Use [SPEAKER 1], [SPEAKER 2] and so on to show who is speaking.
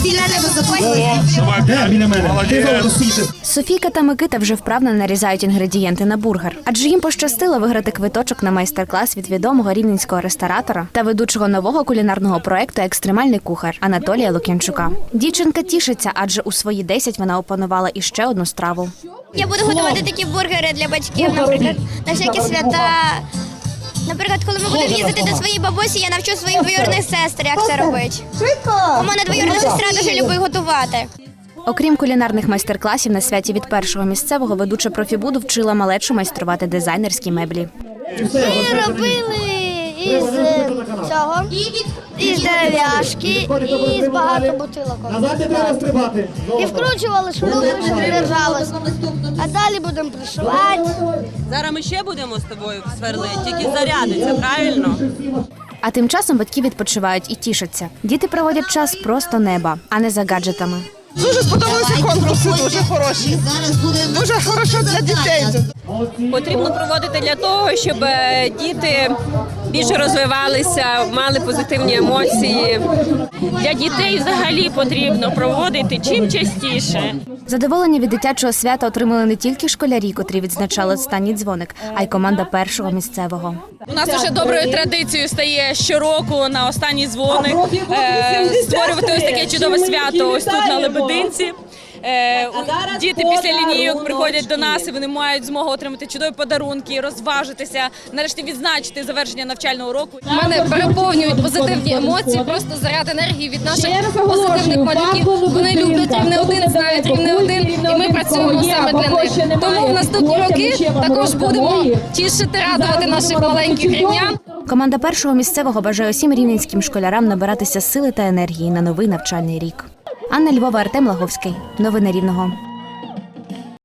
[SPEAKER 1] Софійка та Микита вже вправно нарізають інгредієнти на бургер. Адже їм пощастило виграти квиточок на майстер-клас від відомого рівненського ресторатора та ведучого нового кулінарного проєкту «Екстремальний кухар» Анатолія Лук'янчука. Дівчинка тішиться, адже у свої 10 вона опанувала іще одну страву.
[SPEAKER 2] Я буду готувати такі бургери для батьків, наприклад, на всякі свята. Наприклад, коли ми будемо їздити до своєї бабусі, я навчу своїх двоюрідних сестер, як це робити. У мене двоюрідна сестра дуже любить готувати.
[SPEAKER 1] Окрім кулінарних майстер-класів, на святі від першого місцевого ведуча профібуду вчила малечу майструвати дизайнерські меблі.
[SPEAKER 2] Ми робили із цього, із дерев'яшки, і з багато бутилок. І вкручували шпилки, щоб держалось. А далі будемо пришивати.
[SPEAKER 3] Зараз ми ще будемо з тобою сверлити, тільки зарядиться, правильно?
[SPEAKER 1] А тим часом батьки відпочивають і тішаться. Діти проводять час просто неба, а не за гаджетами.
[SPEAKER 4] Дуже сподобалися конкурси, дуже хороші. Дуже хорошо для дітей.
[SPEAKER 3] Потрібно проводити для того, щоб діти більше розвивалися, мали позитивні емоції. Для дітей взагалі потрібно проводити чим частіше.
[SPEAKER 1] Задоволення від дитячого свята отримали не тільки школярі, котрі відзначали останній дзвоник, а й команда першого місцевого.
[SPEAKER 5] У нас вже доброю традицією стає щороку на останній дзвоник створювати ось таке чудове свято ось тут на Лебединці. Діти після лінійок приходять до нас і вони мають змогу отримати чудові подарунки, розважитися, нарешті відзначити завершення навчального року.
[SPEAKER 6] Мене переповнюють позитивні емоції, просто заряд енергії від наших позитивних малюків. Вони люблять Рівне 1, знають Рівне 1, і ми працюємо саме для них. Тому в наступні роки також будемо тішити, радувати наших маленьких рівнян.
[SPEAKER 1] Команда першого місцевого бажає усім рівненським школярам набиратися сили та енергії на новий навчальний рік. Анна Львова, Артем Лаговський. Новини Рівного.